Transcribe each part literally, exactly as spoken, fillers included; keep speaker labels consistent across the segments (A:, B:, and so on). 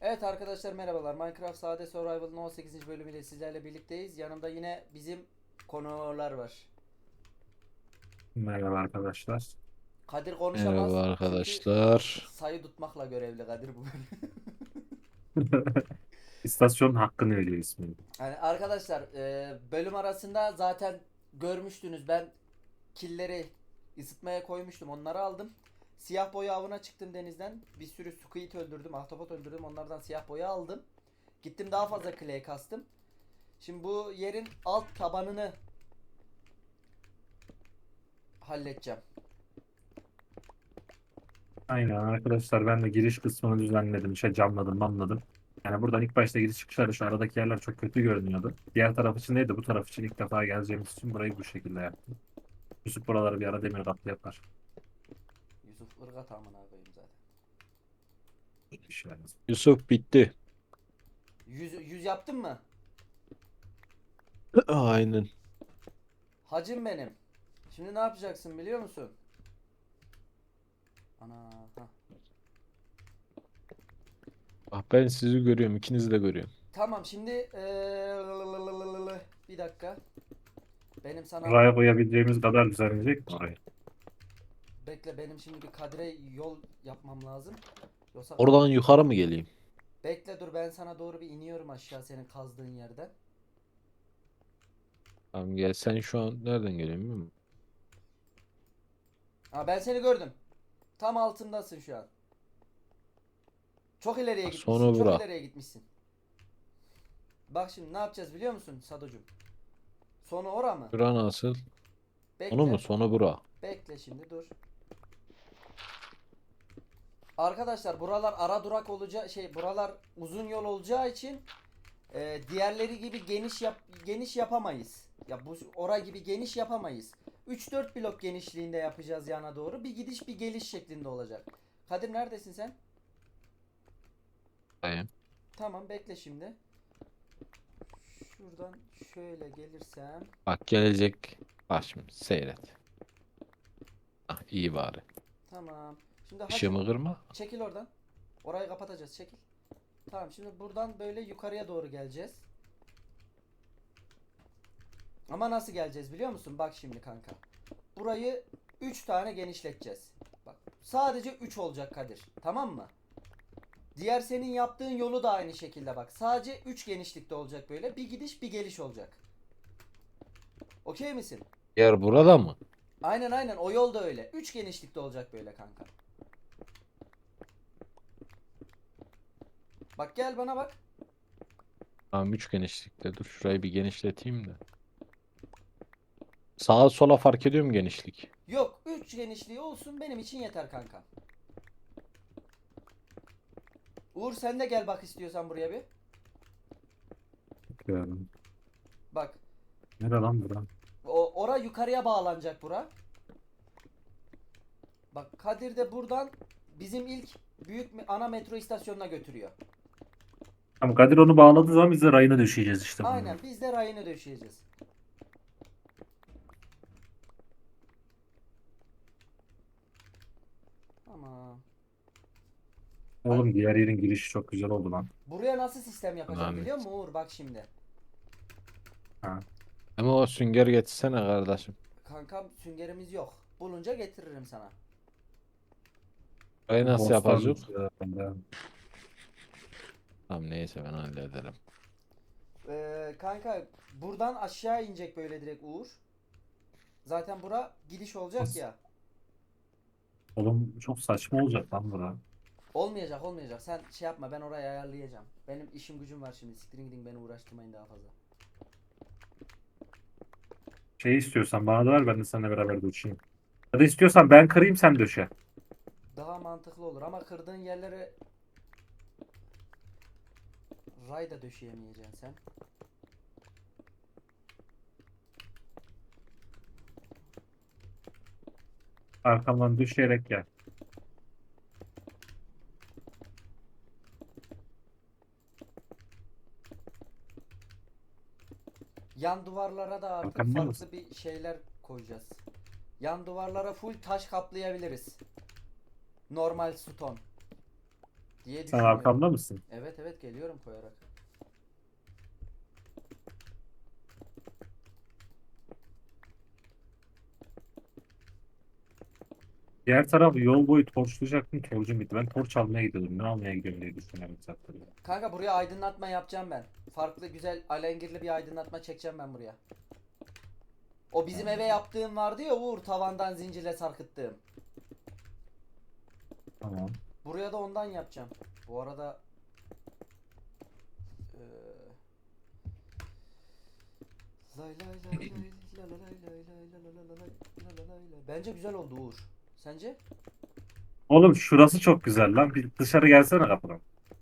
A: Evet arkadaşlar merhabalar. Minecraft Sade Survival'ın on sekizinci bölümüyle sizlerle birlikteyiz. Yanımda yine bizim konular var.
B: Merhaba arkadaşlar.
A: Kadir konuşamaz
C: Merhaba
A: çünkü
C: arkadaşlar.
A: sayı tutmakla görevli Kadir bu bölüm.
B: İstasyonun hakkını veriyor ismini.
A: Yani arkadaşlar e, bölüm arasında zaten görmüştünüz, ben killeri ısıtmaya koymuştum, onları aldım. Siyah boya avına çıktım denizden. Bir sürü squid öldürdüm, ahtapot öldürdüm, onlardan siyah boya aldım. Gittim daha fazla clay kastım. Şimdi bu yerin alt tabanını halledeceğim.
B: Aynen arkadaşlar, ben de giriş kısmını düzenledim. İşte camladım, mamladım. Yani buradan ilk başta giriş çıkışları şu aradaki yerler çok kötü görünüyordu. Diğer taraf için değil de bu taraf için ilk defa geleceğimiz için burayı bu şekilde yaptım. Yusuf buraları bir ara demir kaplı yapar.
A: Yusuf ırgat amına koyayım zaten.
B: Bir şey olmaz.
C: Yusuf bitti.
A: Yüz, yüz yaptın mı?
C: Aynen.
A: Hacım benim. Şimdi ne yapacaksın biliyor musun? Ana ha.
C: Ah ben sizi görüyorum. İkinizi de görüyorum.
A: Tamam şimdi eee, bir dakika. Benim sana
B: Buraya koyabileceğimiz kadar düzenleyecek mi orayı?
A: bekle, benim şimdi bir Kadir'e yol yapmam lazım. Yoksa
C: Oradan yukarı mı geleyim?
A: bekle dur, ben sana doğru bir iniyorum aşağı senin kazdığın yerden.
C: Tamam gel. Sen şu an nereden geliyorsun bilmiyor musun?
A: Ha, ben seni gördüm. Tam altındasın şu an. Çok ileriye
C: Ah,
A: gitmişsin.
C: sonra
A: Çok
C: bura.
A: ileriye gitmişsin. Bak şimdi ne yapacağız biliyor musun Sadocuğum? Sonu ora mı?
C: Bura nasıl? Onu mu?
A: Bekle.
C: Sonra bura.
A: Bekle şimdi dur. Arkadaşlar buralar ara durak olacağı şey, buralar uzun yol olacağı için e, diğerleri gibi geniş yap geniş yapamayız. Ya bu ora gibi geniş yapamayız. üç dört blok genişliğinde yapacağız yana doğru. Bir gidiş bir geliş şeklinde olacak. Kadir neredesin sen?
C: Dayım.
A: Tamam bekle şimdi. Şuradan şöyle gelirsem.
C: Bak gelecek. Bak şimdi seyret. Ah iyi bari.
A: Tamam. Şimdi hacım
C: Işığımı kırma.
A: çekil oradan. Orayı kapatacağız, çekil. Tamam şimdi buradan böyle yukarıya doğru geleceğiz. Ama nasıl geleceğiz biliyor musun? Bak şimdi kanka. Burayı üç tane genişleteceğiz. Bak sadece üç olacak Kadir. Tamam mı? Diğer senin yaptığın yolu da aynı şekilde bak. Sadece üç genişlikte olacak böyle. Bir gidiş bir geliş olacak. Okey misin?
C: Yer burada mı?
A: Aynen aynen, o yol da öyle. üç genişlikte olacak böyle kanka. Bak gel bana bak.
C: Tamam üç genişlikte. Dur şurayı bir genişleteyim de. Sağa sola fark ediyor mu genişlik?
A: Yok, üç genişliği olsun benim için yeter kanka. Uğur sen de gel bak istiyorsan buraya bir.
B: Bakıyorum.
A: Bak
B: Nere lan bura?
A: o ora yukarıya bağlanacak bura. Bak Kadir de buradan bizim ilk büyük mi- ana metro istasyonuna götürüyor.
B: Tamam, Kadir onu bağladığı zaman biz de rayına düşeceğiz işte bunun.
A: Aynen, biz de rayını döşeyeceğiz. Ama
B: Oğlum diğer yerin girişi çok güzel oldu lan.
A: buraya nasıl sistem yapacağım
C: Ahmet.
A: biliyor musun Uğur? Bak şimdi.
B: Ha.
C: Ama o sünger getirsene kardeşim.
A: Kankam süngerimiz yok. Bulunca getiririm sana.
C: Burayı nasıl yapacağız?
B: Ghostlar ya.
C: Tamam neyse ben hallederim.
A: Ee, kanka buradan aşağı inecek böyle direkt Uğur. Zaten bura gidiş olacak
B: Nasıl?
A: ya.
B: Oğlum çok saçma olacak lan bura.
A: Olmayacak olmayacak. Sen şey yapma, ben orayı ayarlayacağım. Benim işim gücüm var şimdi. Siktirin gidin, beni uğraştırmayın daha fazla.
B: Şey istiyorsan bana da ver, ben de seninle beraber de uçayım. Ya da istiyorsan ben kırayım, sen döşe.
A: Daha mantıklı olur ama kırdığın yerlere ray da döşeyemeyeceksin sen.
B: Arkamdan düşerek gel.
A: Yan duvarlara da artık
B: Arkamda
A: farklı
B: mısın?
A: bir şeyler koyacağız. Yan duvarlara full taş kaplayabiliriz. Normal stone diye
B: Sen
A: düşünüyorum.
B: arkamda mısın?
A: Evet evet. geliyorum koyarak.
B: Diğer taraf yol boyu torçlayacaktım. Torcum bitti. Ben torç almaya gidiyordum. Ne almaya gidiyorum diye düşünüyorum zaten.
A: Kanka buraya aydınlatma yapacağım ben. Farklı güzel alengirli bir aydınlatma çekeceğim ben buraya. O bizim eve yaptığım vardı ya Uğur, tavandan zincirle sarkıttığım.
B: Tamam.
A: Buraya da ondan yapacağım. Bu arada eee, lay lay lay lay la la lay lay lay la la la la lay, la la lay lay. Bence güzel oldu Uğur. Sence?
B: Oğlum şurası çok güzel lan. Bir dışarı gelsene kapıdan.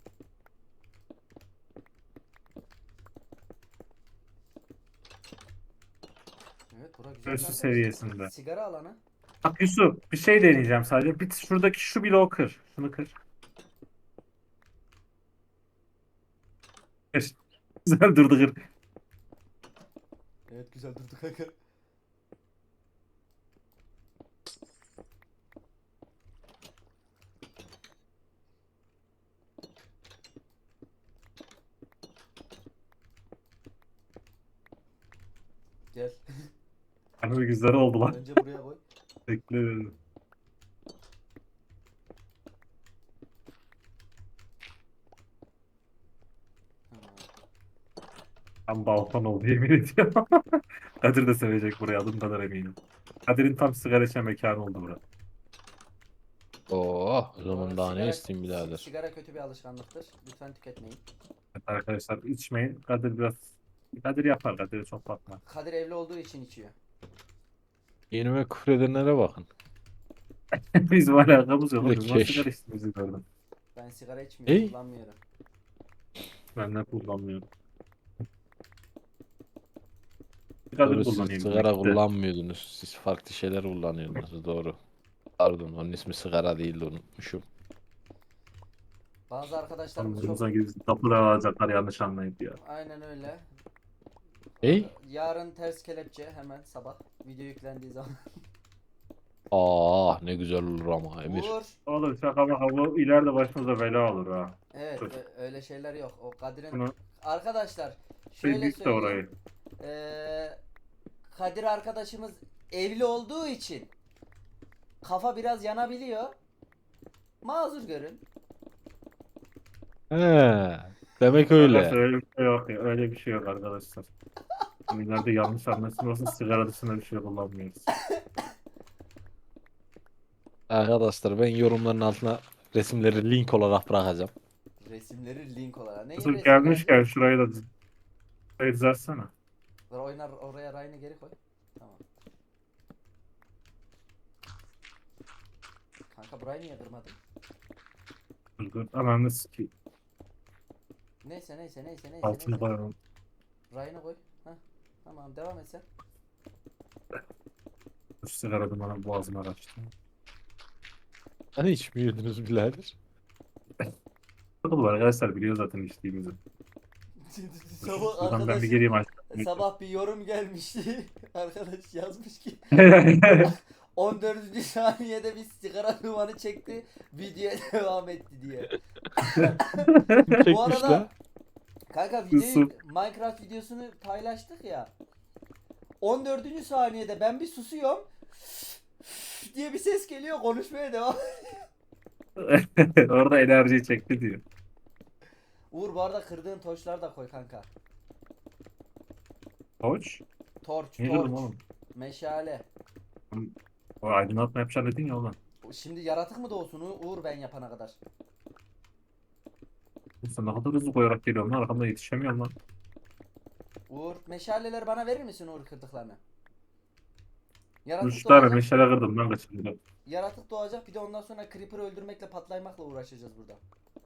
A: Evet, bura güzel
B: Göğsü
A: kanka.
B: seviyesinde.
A: Sigara alanı.
B: Bak Yusuf bir şey deneyeceğim sadece. Bir şuradaki şu bloğu kır. Şunu kır. Kır. Güzel durdu kır.
A: Evet, güzel durdu kanka. Gel.
B: Hani güzel oldu lan.
A: Önce buraya koy.
B: Bekle.
A: Tamam.
B: Tam balkon oldu yemin ediyorum. Kadir de sevecek burayı adım kadar eminim. Kadir'in tam sigara içen mekanı oldu burası.
C: Oo, o
A: Bu
C: zaman
A: arada
C: daha ne
A: sigara-
C: isteyeyim
A: si-
C: birader.
A: Sigara kötü bir alışkanlıktır. Lütfen tüketmeyin.
B: Evet arkadaşlar içmeyin. Kadir biraz Kadir yapar. Kadir'e çok bakma.
A: Kadir evli olduğu için içiyor.
C: Yenime küfredenlere bakın.
B: Bizim alakamız yok. Biz nasıl
C: Lekeş.
B: sigara içtiğimizi gördüm.
A: Ben sigara içmiyorum,
C: Ey.
A: kullanmıyorum.
B: Ben de kullanmıyorum. Kadir
C: Doğru, siz
B: kullanıyor.
C: sigara
B: bizimki de.
C: kullanmıyordunuz. Siz farklı şeyler kullanıyordunuz. Doğru. Pardon, onun ismi sigara değildi, unutmuşum.
A: Bazı arkadaşlarımız çok...
B: Anlarımıza gidip kapıda alacaklar yanlış anlayıp ya.
A: Aynen öyle.
C: Ey?
A: Yarın ters kelepçe hemen sabah video yüklendiği zaman.
C: Aa, ne güzel olur ama Emir.
A: Uğur.
B: Oğlum şaka maka bu ileride başımıza bela olur ha.
A: Evet,
B: Dur.
A: ö- öyle şeyler yok. O Kadir'in...
B: Bunu
A: Arkadaşlar
B: bir
A: şöyle
B: dik de
A: söyleyeyim.
B: orayı.
A: Ee, Kadir arkadaşımız evli olduğu için kafa biraz yanabiliyor. Mazur görün.
C: He, demek
B: Arkadaşlar
C: öyle.
B: öyle bir şey yok ya. Öyle bir şey yok arkadaşlar. Hani ileride yanlış anlaşılmasın sigara dışında bir şey kullanmıyoruz.
C: Arkadaşlar, ben yorumların altına resimleri link olarak bırakacağım.
A: Resimleri link olarak. Neyin
B: Yusuf
A: resmi
B: gelmişken
A: kanka?
B: şurayı da düz- şurayı düzeltsene.
A: Dur, oynar oraya rayını geri koy. Tamam. Kanka burayı niye kırmadın?
B: Dur dur. Hemen de sikeyim.
A: Neyse neyse neyse neyse
B: Altını
A: neyse.
B: koyalım.
A: Rayını koy. Heh. Tamam, devam et sen.
B: Şu sigara dumanı boğazıma kaçtı.
C: Hani içmiyordunuz birader?
B: Takıl var arkadaşlar biliyor zaten içtiğimizi.
A: Sabah
B: Şuradan ben bir
A: arkadaş
B: gireyim aşkım.
A: sabah bir yorum gelmişti. Arkadaş yazmış ki on dördüncü saniyede bir sigara dumanı çekti, videoya devam etti diye. Bu
C: Çekmiş
A: arada
C: la.
A: kanka videoyu,
B: Yusuf.
A: Minecraft videosunu paylaştık ya. on dördüncü saniyede ben bir susuyorum diye bir ses geliyor, konuşmaya devam.
B: Orada enerjiyi çekti diyor.
A: Uğur, bu arada kırdığın torçları da koy kanka.
B: Koç.
A: Torç,
B: Niye
A: torç,
B: kırdım oğlum?
A: meşale.
B: O aydınlatma yapacaksın dedin ya oğlum.
A: Şimdi yaratık mı doğsun U- Uğur ben yapana kadar?
B: Sen ne kadar hızlı koyarak geliyorsun lan arkamda yetişemiyorum lan.
A: Uğur, meşaleleri bana verir misin Uğur, kırdıklarını? Yaratık
B: Üç tane
A: doğacak,
B: meşale kırdım lan kaçırdım.
A: yaratık doğacak, bir de ondan sonra Creeper'ı öldürmekle, patlaymakla uğraşacağız burada.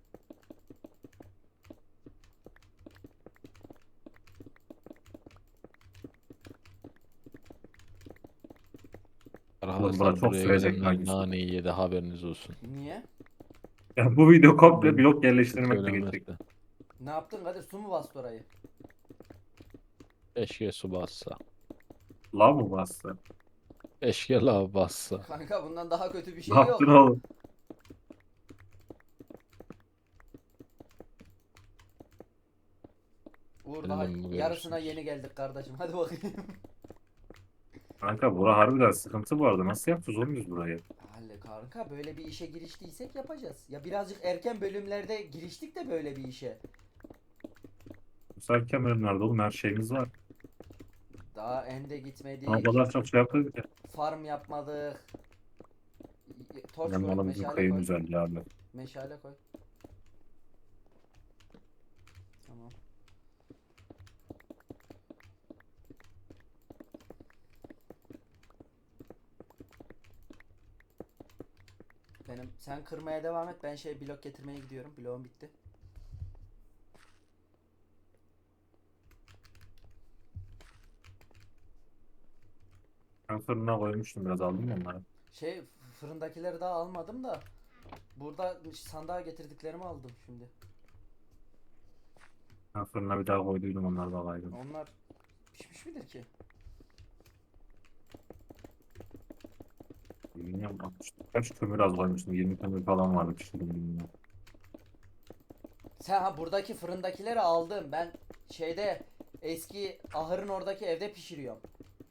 B: Oğlum bana
C: Arkadaşlar,
B: çok
C: buraya
B: sürecek
C: gelenler
B: hangisi?
C: naneyi yedi, haberiniz olsun.
A: Niye?
B: Ya bu video komple
C: Hı.
B: blok yerleştirmekle
C: Söylenmezdi.
B: geçecek.
A: Ne yaptın Kadir? Su mu bastı orayı?
C: Keşke su bassa.
B: Lav mı bastı?
C: Keşke lav bassa.
A: Kanka bundan daha kötü bir şey
B: Ne
A: yok.
B: yaptın oğlum?
A: Uğur daha
C: Bilmem, bu
A: yarısına
C: görürsünüz.
A: yeni geldik kardeşim. Hadi bakayım.
B: Kanka bura harbiden sıkıntı bu arada. Nasıl yapacağız oğlum biz burayı?
A: Halle kanka böyle bir işe giriştiysek yapacağız. Ya birazcık erken bölümlerde giriştik de böyle bir işe.
B: Müsait kemerlerde oğlum her şeyimiz var.
A: Daha ende
B: O
A: gitmedik.
B: kadar çok şey yaptık ki.
A: Farm yapmadık. Y- Torç
B: Benim
A: koy,
B: bana bizim
A: meşale
B: kayın
A: koy.
B: güzelliği abi.
A: Meşale koy. Tamam. Benim sen kırmaya devam et. Ben şey blok getirmeye gidiyorum. Bloğum bitti.
B: Ben fırına koymuştum biraz aldım mı onları?
A: Şey fırındakileri daha almadım da burada sandığa getirdiklerimi aldım şimdi.
B: Ben fırına bir daha koyduydum onları da alaydım.
A: Onlar pişmiş midir ki?
B: Bilmiyorum. Kaç kömür az koymuştum. yirmi kömür falan vardı pişirdim bilmiyorum.
A: Sen ha buradaki fırındakileri aldım. Ben şeyde eski ahırın oradaki evde pişiriyorum.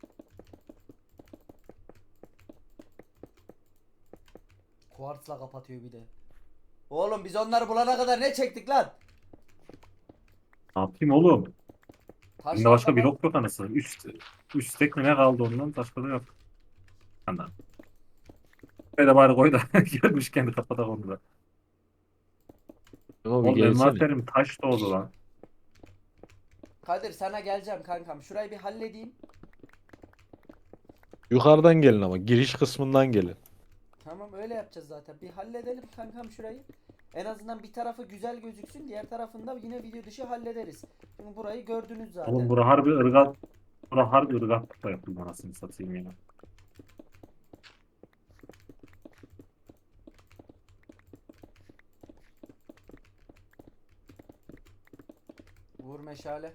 A: Kuartsla kapatıyor bir de. Oğlum biz onları bulana kadar ne çektik lan?
B: Ne yapayım oğlum?
A: Taşla
B: Şimdi başka
A: kapat.
B: blok yok anasını. Üç, üç tek mi ne kaldı ondan başka da yok. Anladım. Böyle bari koy da gelmişken kapatak onu da.
C: Ama bir
B: Oğlum
C: gelsene.
B: envanterim taş doldu lan.
A: Kadir sana geleceğim kankam. Şurayı bir halledeyim.
C: Yukarıdan gelin ama giriş kısmından gelin.
A: Tamam öyle yapacağız zaten. Bir halledelim kankam şurayı. En azından bir tarafı güzel gözüksün. Diğer tarafında yine video dışı hallederiz. Şimdi burayı gördünüz zaten.
B: Oğlum bura harbi ırgat. Bura harbi ırgatlıkla yapıldı anasını satayım ya.
A: Vur meşale.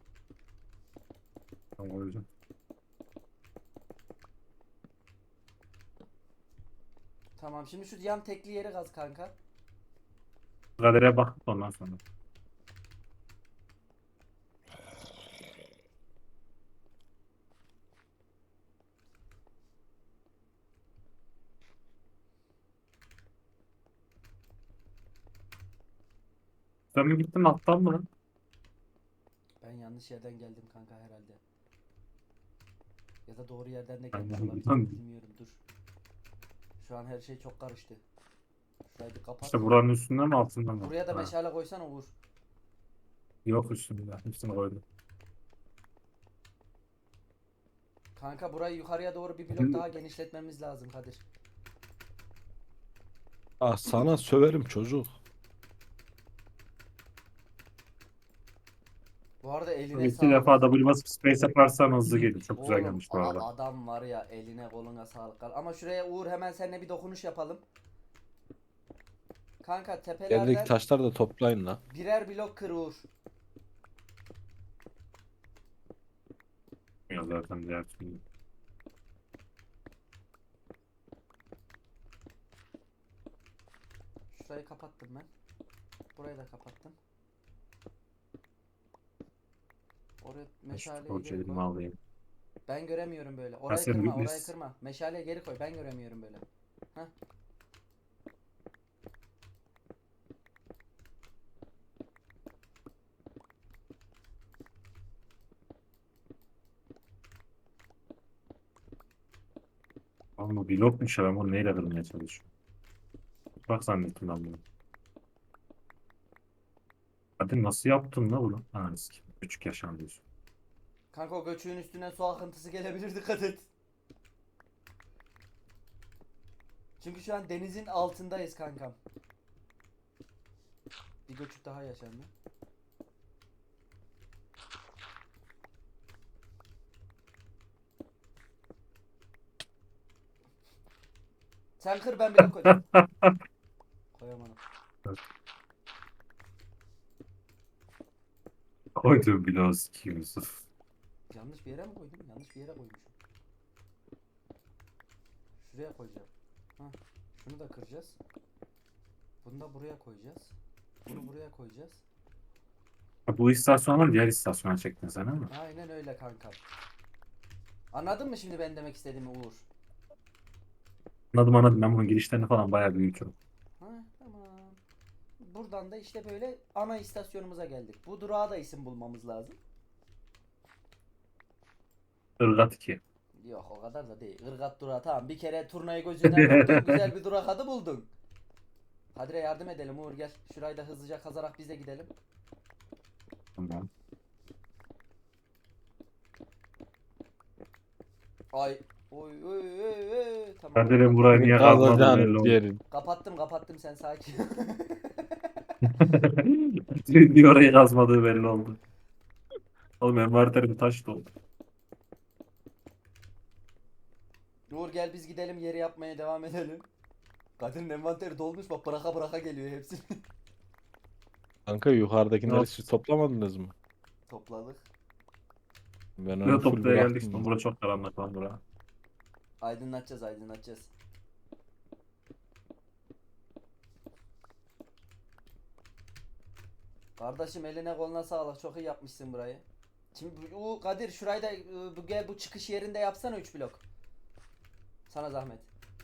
B: Tamam, o yüzden.
A: Tamam şimdi şu yan tekli yeri kaz kanka.
B: Kadere bak ondan sonra. Sen mi gittin alttan mı lan?
A: Ben yanlış yerden geldim kanka herhalde. Ya da doğru yerden de
B: Ben
A: gelmiş
B: yanlış-
A: olabilirim bilmiyorum dur. Şu an her şey çok karıştı. Şurayı bir kapat.
B: İşte buranın üstünden mi altından mı?
A: Buraya da
B: Ha,
A: meşale koysana Uğur.
B: yok üstünde. Üstüne koydum.
A: Kanka burayı yukarıya doğru bir blok daha genişletmemiz lazım Kadir.
C: Ah sana söverim çocuk.
A: Bu arada eline
B: İki
A: sağlık.
B: defa W basıp space yaparsan hızlı gelir. Çok güzel
A: Oğlum
B: gelmiş bu
A: a-
B: arada.
A: adam var ya eline koluna sağlık. Ama şuraya Uğur hemen seninle bir dokunuş yapalım. Kanka
C: Yerdeki
A: tepelerden
C: taşları da toplayın la.
A: birer blok kır Uğur.
B: Ya zaten diğer türlü.
A: Şurayı kapattım ben. Burayı da kapattım. Oraya meşaleyi
B: Torç
A: geri
B: elime
A: koy.
B: alayım.
A: Ben göremiyorum böyle. Orayı
B: sen
A: kırma,
B: bir-
A: orayı kırma. Meşaleyi geri koy. Ben göremiyorum böyle. Heh.
B: Ama bu blokmuş ya ben bunu neyle kırmaya çalışıyorum. Bak zannettim ben bunu. Hadi nasıl yaptın la bunu? Ha eski. Küçük yaşam diyorsun.
A: Kanka o göçüğün üstüne su akıntısı gelebilir dikkat et. Çünkü şu an denizin altındayız kankam. Bir göçük daha yaşandı. Sen kır ben blok koyacağım. Koyamadım.
B: Koydum bloğu sikiyim Yusuf.
A: Yanlış bir yere mi koydum? Yanlış bir yere koymuşum. Şuraya koyacağım. Hah. Şunu da kıracağız. Bunu da buraya koyacağız. Bunu buraya koyacağız.
B: Ha, bu istasyondan diğer istasyona çektin sen ama.
A: Aynen öyle kanka. Anladın mı şimdi ben demek istediğimi Uğur?
B: Anladım anladım. Ben bunun girişlerini falan bayağı büyütüyorum.
A: Ha, tamam. Buradan da işte böyle ana istasyonumuza geldik. Bu durağa da isim bulmamız lazım.
B: Irgat iki.
A: Yok o kadar da değil. Irgat durağı tamam. Bir kere turnayı gözünden vurdun. Güzel bir durak adı buldun. Kadir'e yardım edelim Uğur gel. Şurayı da hızlıca kazarak biz de gidelim.
B: Tamam.
A: Ay. Oy oy oy oy. Tamam.
B: Kadir'in burayı niye kazmadığı belli
C: Kazacan
B: oldu.
C: yerin.
A: Kapattım kapattım sen sakin.
B: Niye orayı kazmadığı belli oldu. Oğlum envanterim taş doldu.
A: Uğur gel biz gidelim yeri yapmaya devam edelim. Kadir'in envanteri dolmuş bak bıraka bıraka geliyor hepsi.
C: Kanka yukarıdakileri
B: Yok.
C: siz toplamadınız mı?
A: Topladık.
C: Ben
B: Böyle
C: onu full
B: toplaya geldik
C: bıraktım.
B: işte. Burası çok karanlık lan bura.
A: Aydınlatacağız aydınlatacağız. Kardeşim eline koluna sağlık çok iyi yapmışsın burayı. Şimdi bu Kadir şurayı da e, bu gel bu çıkış yerinde yapsana üç blok. Sana zahmet.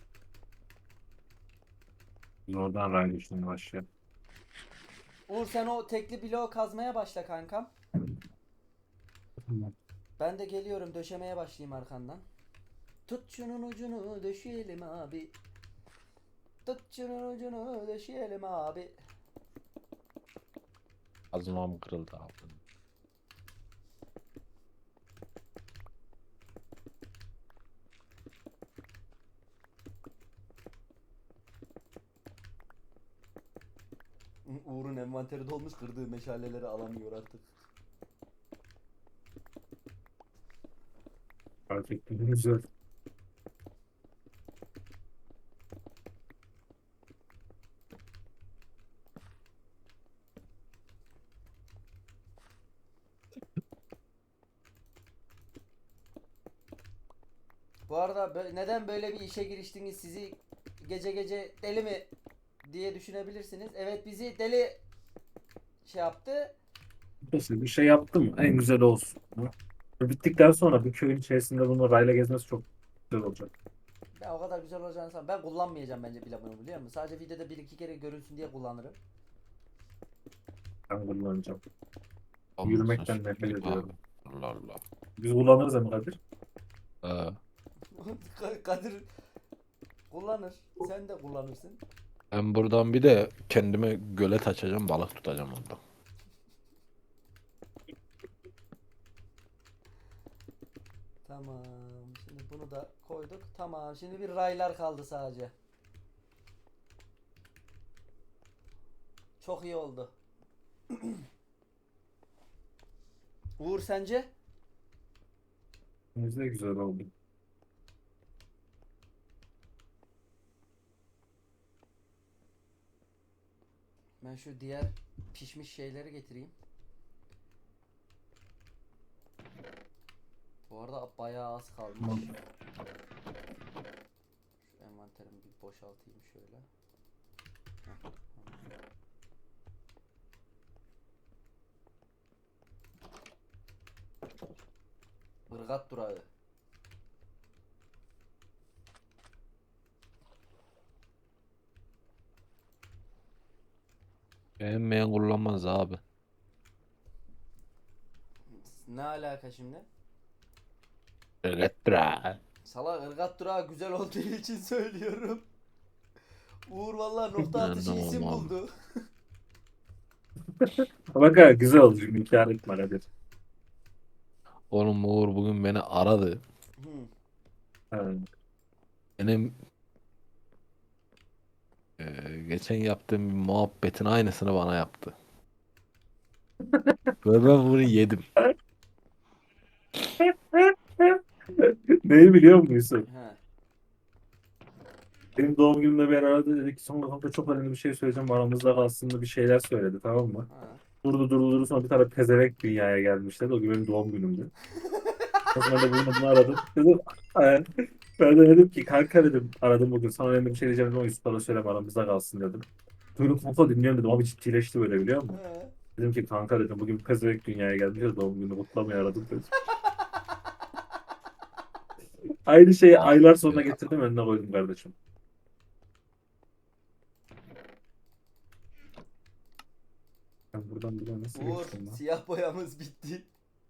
B: Biz oradan raylı işlemeye başlayalım.
A: Uğur sen o tekli bloğu kazmaya başla kankam.
B: Tamam.
A: Ben de geliyorum döşemeye başlayayım arkandan. Tut şunun ucunu döşeyelim abi. Tut şunun ucunu döşeyelim abi.
C: Azmam kırıldı abi.
A: Uğur'un envanteri dolmuş kırdığı meşaleleri alamıyor artık.
B: Fark ettim. Güzel.
A: Bu arada bö- neden böyle bir işe giriştiniz sizi gece gece deli mi diye düşünebilirsiniz. Evet bizi deli şey yaptı.
B: Mesela bir şey yaptım en güzel olsun. Bittikten sonra bir köyün içerisinde bunu rayla gezmesi çok güzel olacak.
A: Ben o kadar güzel olacağını sanmıyorum. Ben kullanmayacağım bence bile bunu biliyor musun? Sadece videoda bir iki kere görünsün diye kullanırım.
B: Ben kullanacağım.
C: Olmasın
B: Yürümekten
C: şimdi
B: nefret ediyorum.
C: abi. Allah Allah.
B: Biz kullanırız ama Kadir.
C: Ee,
A: Ka- Kadir kullanır. Sen de kullanırsın.
C: ben buradan bir de kendime gölet açacağım, balık tutacağım orada.
A: Tamam. Şimdi bunu da koyduk. Tamam. Şimdi bir raylar kaldı sadece. Çok iyi oldu. Uğur sence?
B: Biz de güzel oldu.
A: Ben şu diğer pişmiş şeyleri getireyim. Bu arada bayağı az kalmış.
B: Tamam.
A: Şu envanterimi bir boşaltayım şöyle. Heh, tamam. Irgat durağı.
C: Beğenmeyen kullanmaz abi.
A: Ne alaka şimdi?
C: Elektra.
A: Sala ırgat durağı güzel olduğu için söylüyorum. Uğur vallahi nokta
C: Ben
A: atışı
C: de
A: isim
C: olmam.
A: buldu.
B: Bak ha, güzel oldu. Şimdi inkar etme Kadir.
C: Oğlum Uğur bugün beni aradı.
A: Hı.
B: Evet.
C: Benim e, geçen yaptığım bir muhabbetin aynısını bana yaptı. Ve ben bunu yedim.
B: Neyi biliyor musun?
A: He.
B: Benim doğum günümde beni aradı dedi ki sonra kanka çok önemli bir şey söyleyeceğim aramızda kalsın da bir şeyler söyledi tamam mı?
A: Ha.
B: Durdu durdu durdu sonra bir tane pezevenk dünyaya gelmiş dedi. O gün benim doğum günümdü. O zaman da bunu, bunu aradım. Dedim, "Ee?" Ben de dedim ki kanka dedim aradım bugün sana önemli bir şey diyeceğim ama Yusuf'a da söyleme aramızda kalsın dedim. Böyle kanka dinliyorum dedim abi ciddileşti böyle biliyor musun?
A: He.
B: Dedim ki kanka dedim bugün pezevenk dünyaya gelmiş ya doğum günü kutlamaya aradım dedim. Aynı şeyi aylar sonra getirdim önüne koydum kardeşim. Ben buradan buradan nasıl
A: Uğur,
B: geçtim lan?
A: siyah boyamız bitti.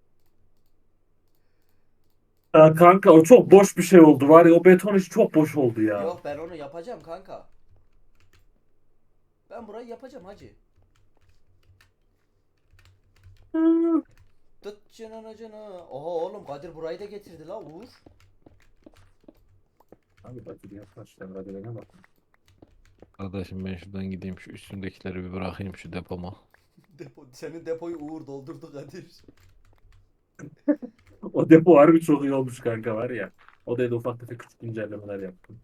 B: Ya kanka o çok boş bir şey oldu var ya o beton işi çok boş oldu ya.
A: Yok, ben onu yapacağım kanka. Ben burayı yapacağım hacı.
B: Hı.
A: Tut canını canı. Oha oğlum, Kadir burayı da getirdi la Uğur.
B: Abi bak bir yaklaş demrelerine bak.
C: Kardeşim ben şuradan gideyim şu üstündekileri bir bırakayım şu depoma.
A: Depo, senin depoyu Uğur doldurdu Kadir.
B: O depo harbi çok iyi olmuş kanka var ya. O da ufak tefek küçük güncellemeler yaptım.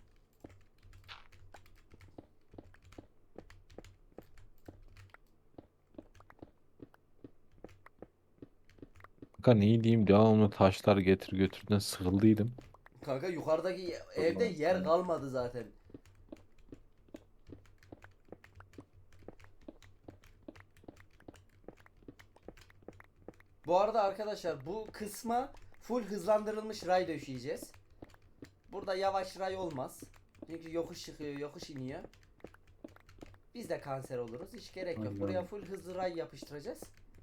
C: Kanka ne diyeyim devamlı taşlar getir götürden sıkıldıydım.
A: Kanka yukarıdaki evde yer kalmadı zaten. Bu arada arkadaşlar bu kısma full hızlandırılmış ray döşeyeceğiz. Burada yavaş ray olmaz. Çünkü yokuş çıkıyor, yokuş iniyor. Biz de kanser oluruz. Hiç gerek yok.
B: Aynen.
A: Buraya full hızlı ray yapıştıracağız.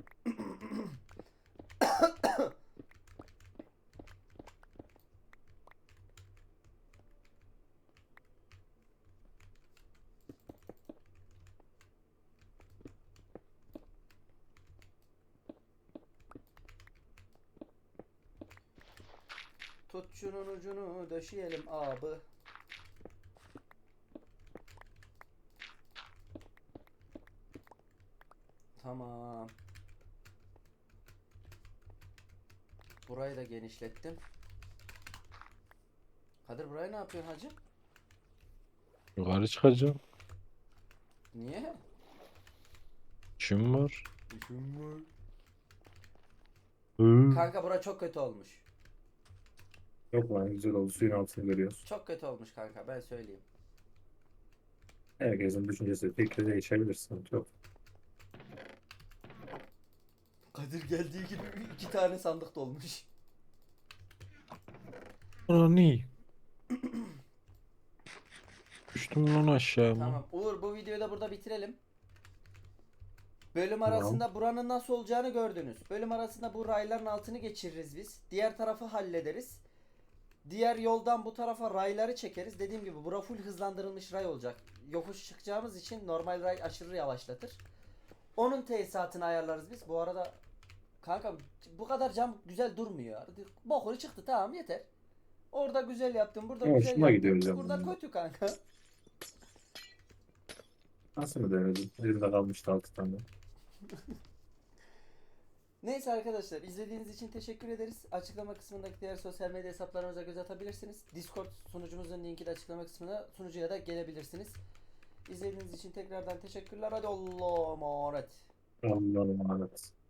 A: Tut şunun ucunu döşeyelim abi. Tamam. Burayı da genişlettim. Kadir burayı ne yapıyorsun hacı?
C: Yukarı çıkacağım.
A: Niye?
C: İşim var.
A: İşim var.
C: Hı.
A: Kanka bura çok kötü olmuş.
B: Yok lan güzel oldu suyun altını görüyoruz.
A: Çok kötü olmuş kanka, ben söyleyeyim.
B: Herkesin düşüncesi fikri değişebilir sıkıntı yok.
A: Kadir geldiği gibi iki tane sandık dolmuş.
C: Ana ne? Düştüm lan aşağı mı?
A: Tamam Uğur, bu videoyu da burada bitirelim. Bölüm
B: Tamam.
A: arasında buranın nasıl olacağını gördünüz. Bölüm arasında bu rayların altını geçiririz biz. Diğer tarafı hallederiz. Diğer yoldan bu tarafa rayları çekeriz. Dediğim gibi bura full hızlandırılmış ray olacak. Yokuş çıkacağımız için normal ray aşırı yavaşlatır. Onun tesisatını ayarlarız biz. Bu arada kanka bu kadar cam güzel durmuyor. Bokuru çıktı, tamam yeter. Orada güzel yaptım, burada
B: Ama
A: güzel
B: hoşuma
A: yaptım.
B: gidiyor cam
A: Burada
B: bunlar.
A: kötü kanka.
B: Nasıl mı denedim? Elimde kalmıştı altı tane.
A: Neyse arkadaşlar, izlediğiniz için teşekkür ederiz. Açıklama kısmındaki diğer sosyal medya hesaplarımıza göz atabilirsiniz. Discord sunucumuzun linki de açıklama kısmına, sunucuya da gelebilirsiniz. İzlediğiniz için tekrardan teşekkürler. Hadi Allah'a emanet.
B: Allah'ım emanet.